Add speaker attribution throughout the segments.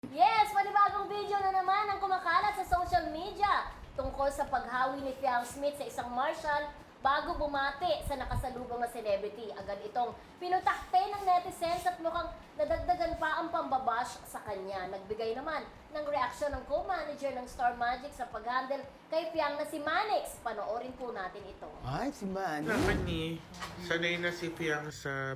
Speaker 1: Yes, panibagong video na naman ang kumakalat sa social media tungkol sa paghawi ni Fiang Smith sa isang marshal bago bumati sa nakasalubong na celebrity. Agad itong pinutakpe ng netizens at mukhang nadagdagan pa ang pambabash sa kanya. Nagbigay naman ng reaksyon ng co-manager ng Star Magic sa pag-handle kay Fiang na si Manix. Panoorin po natin ito.
Speaker 2: Ay, si Manny.
Speaker 3: Naman ni, sanay na si Fiang sa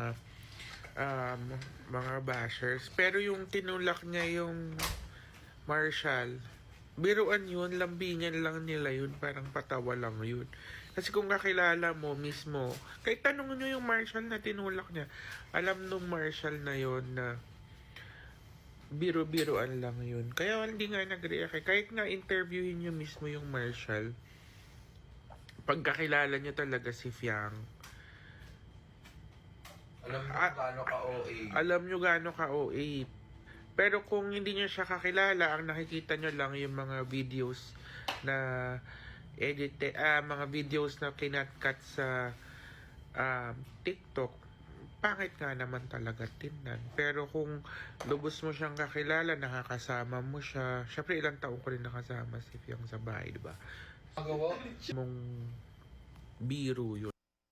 Speaker 3: mga bashers. Pero yung tinulak niya yung Marshall, biruan yun, lambingan lang nila yun, parang patawa lang yun. Kasi kung kakilala mo mismo, kahit tanong nyo yung Marshall na tinulak niya, alam nung Marshall na yun na biro-biroan lang yun. Kaya hindi nga nag-react. Kahit nga interviewin nyo mismo yung Marshall, pagkakilala nyo talaga si Fiang, alam nyo gaano ka-OA. Pero kung hindi nyo siya kakilala, ang nakikita nyo lang yung mga videos na mga videos na kinatkat sa TikTok, pangit nga naman talaga tingnan. Pero kung lubos mo siyang kakilala, nakakasama mo siya. Syempre ilang taon ko rin nakasama si Fiang sa bahay, diba? Mong biro yun.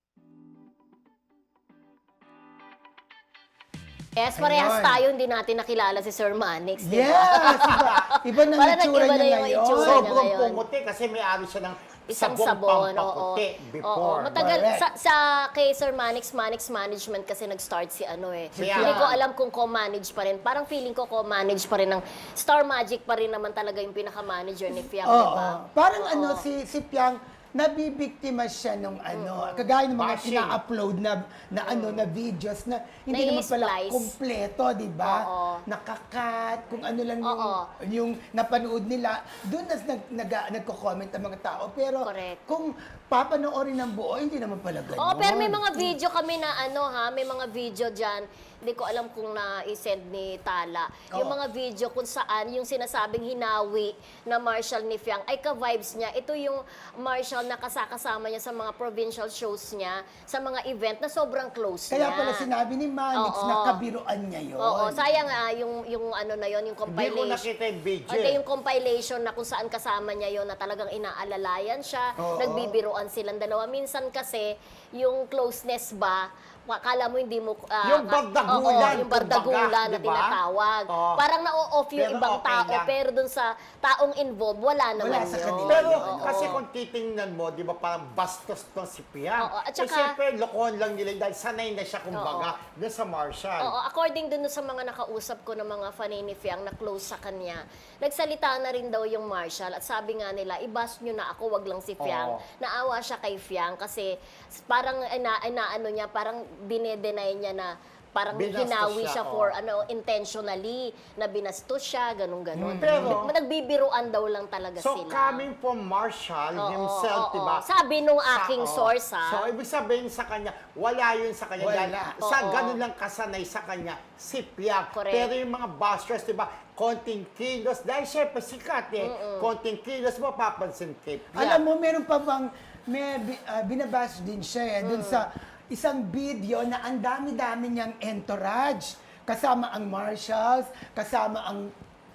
Speaker 1: Yes, parehas
Speaker 2: Ayun.
Speaker 1: tayo, hindi natin nakilala si Sir Manix, di ba?
Speaker 2: Yes, iba. Iba na
Speaker 1: Parang
Speaker 2: itsura
Speaker 1: nag-iba na
Speaker 2: niya
Speaker 1: yung
Speaker 2: ngayon.
Speaker 1: itsura niya
Speaker 4: Sobrang
Speaker 1: ngayon.
Speaker 4: pumuti kasi may ari siya ng
Speaker 1: Isang
Speaker 4: sabong
Speaker 1: sabon, oo.
Speaker 4: pampaputi before.
Speaker 1: Matagal,
Speaker 2: Correct.
Speaker 1: sa kay Sir Manix Management kasi nag-start si ano eh.
Speaker 4: Siya.
Speaker 1: Hindi ko alam kung co-manage pa rin. Parang feeling ko co-manage pa rin ng Star Magic pa rin naman talaga yung pinaka-manager ni Fiang, di
Speaker 2: Oo.
Speaker 1: ba?
Speaker 2: Parang
Speaker 1: Oo.
Speaker 2: ano, si Piang, nabibiktima siya nung ano, kagaya ng mga
Speaker 4: Bashing.
Speaker 2: ina-upload na videos na hindi naman pala
Speaker 1: Na-splice.
Speaker 2: kumpleto, di ba?
Speaker 1: Oo.
Speaker 2: Nakakat, kung ano lang
Speaker 1: Oo.
Speaker 2: yung napanood nila, doon nagko-comment ang mga tao. Pero
Speaker 1: Correct.
Speaker 2: kung papanoorin ng buo, hindi naman pala ganun.
Speaker 1: Oo, pero may mga video kami na ano ha, may mga video dyan, hindi ko alam kung na-send ni Tala. Yung
Speaker 2: Oo.
Speaker 1: mga video kung saan yung sinasabing hinawi na Marshall ni Fiang ay ka-vibes niya. Ito yung Marshall na kasakasama niya sa mga provincial shows niya, sa mga event na sobrang close
Speaker 2: Kaya
Speaker 1: niya.
Speaker 2: pala sinabi ni Manix
Speaker 1: Oo.
Speaker 2: na kabiruan niya yun.
Speaker 1: Oo, sayang yung ano na yon, yung
Speaker 4: Hindi ko
Speaker 1: compilation.
Speaker 4: nakita yung video.
Speaker 1: Okay, yung compilation na kung saan kasama niya yon na talagang inaalalayan siya,
Speaker 2: Oo.
Speaker 1: nagbibiruan silang dalawa. Minsan kasi, yung closeness ba, akala mo hindi mo...
Speaker 4: Yung bardagulan,
Speaker 1: yung bardagulan
Speaker 4: kumbaga,
Speaker 1: na
Speaker 4: di ba?
Speaker 1: tinatawag.
Speaker 4: Oo.
Speaker 1: Parang na-off yung
Speaker 4: Pero
Speaker 1: ibang
Speaker 4: okay
Speaker 1: tao,
Speaker 4: lang.
Speaker 1: pero dun sa taong involved, wala naman
Speaker 2: sa
Speaker 1: yun.
Speaker 2: kanila.
Speaker 4: Pero
Speaker 1: Oo.
Speaker 4: kasi kung titingnan mo, di ba parang bastos tong si Piang.
Speaker 1: Oo, at
Speaker 4: Eh,
Speaker 1: saka-
Speaker 4: siyempre, lokohan lang nila dahil sanay na siya kumbaga doon sa Marshall.
Speaker 1: Oo, according dun sa mga nakausap ko ng mga fanay ni Fiang na close sa kanya, nagsalita na rin daw yung Marshall at sabi nga nila, i-bash nyo na ako, wag lang si Fiang.
Speaker 4: Oo.
Speaker 1: Naawa siya kay Fiang kasi parang ano niya, parang dinedenay niya na parang
Speaker 4: Binastos
Speaker 1: hinawi
Speaker 4: siya,
Speaker 1: siya
Speaker 4: oo.
Speaker 1: for intentionally, na binastos siya, ganun-ganun.
Speaker 4: Pero-
Speaker 1: Nagbibiruan daw lang talaga
Speaker 4: So,
Speaker 1: sila.
Speaker 4: coming from Marshall
Speaker 1: Oo,
Speaker 4: himself,
Speaker 1: oo,
Speaker 4: di ba?
Speaker 1: oo. Sabi nung aking
Speaker 4: oo.
Speaker 1: source, ha?
Speaker 4: So, ibig sabihin sa kanya, wala yun sa kanya.
Speaker 2: Wala.
Speaker 4: Dahil sa
Speaker 1: Oo.
Speaker 4: ganun lang kasanay sa kanya, si Piang.
Speaker 1: Correct.
Speaker 4: Pero yung mga bashers, di ba, konting kilos, dahil syempre sikat eh, konting kilos mo, papansin kay Piang.
Speaker 2: Alam mo, meron pa bang, binabash din siya dun sa isang video na ang dami-dami niyang entourage. Kasama ang Marshalls, kasama ang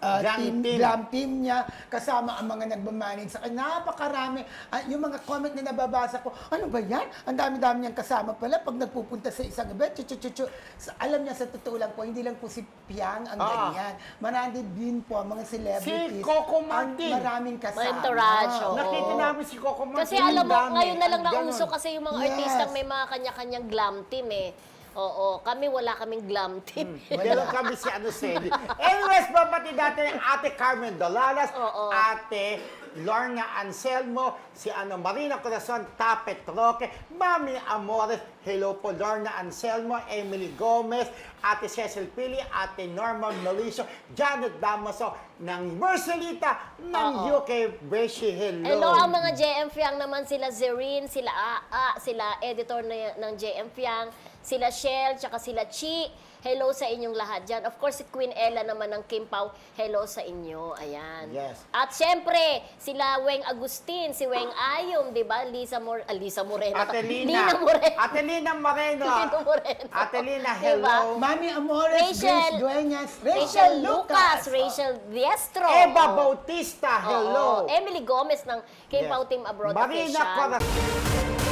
Speaker 2: glam team niya, kasama ang mga nagmamanage sa kanya. Napakarami. Yung mga comment na nababasa ko, ano ba yan? Ang dami-dami niyang kasama pala pag nagpupunta sa isang event. Alam niya, sa totoo lang po, hindi lang po si Piang ang ganyan. Marami din po ang mga celebrities.
Speaker 4: Si Coco
Speaker 2: ang
Speaker 4: Martin.
Speaker 2: maraming kasama.
Speaker 1: Mga entourage, oo.
Speaker 4: Nakita namin si Coco Martin.
Speaker 1: Kasi alam mo,
Speaker 4: ang dami,
Speaker 1: ngayon na lang
Speaker 4: ang
Speaker 1: nauso
Speaker 4: ganun.
Speaker 1: kasi yung mga
Speaker 2: Yes.
Speaker 1: artistang may mga kanya-kanyang glam team eh. Oo, kami wala kaming glam team.
Speaker 4: Meron kami si ano Sally. Anyways, babati natin ang Ate Carmen Dolalas,
Speaker 1: Oo.
Speaker 4: Ate Lorna Anselmo, si Marina Corazon, Tapet Roque, Mami Amores, hello po Lorna Anselmo, Emily Gomez, Ate Cecil Pili, Ate Norma Mauricio, Janet Damaso ng Marcelita ng UK, Beshi, hello.
Speaker 1: Hello, ang mga JM Fiang naman, sila Zerine, sila Aa, sila editor ng JM Fiang, sila Shell, tsaka sila Chi, hello sa inyong lahat dyan. Of course, si Queen Ella naman ng Kim Pao, hello sa inyo. Ayan.
Speaker 4: Yes.
Speaker 1: At syempre, sila Weng Agustin, si Weng Ayom, di ba? Lisa Moreno.
Speaker 4: Atelina.
Speaker 1: Lina Moreno.
Speaker 4: Atelina Moreno.
Speaker 1: Lina Moreno.
Speaker 4: Atelina,
Speaker 1: Diba?
Speaker 4: hello.
Speaker 2: Mami Amores,
Speaker 1: Rachel-
Speaker 2: Grace Dueñas,
Speaker 1: Rachel Lucas, Rachel Diestro.
Speaker 4: Eva
Speaker 1: Oo.
Speaker 4: Bautista, hello.
Speaker 1: Oo. Emily Gomez ng Kim
Speaker 2: Yes.
Speaker 1: Pao Team Abroad
Speaker 4: Marina
Speaker 1: Official.
Speaker 4: Corazon.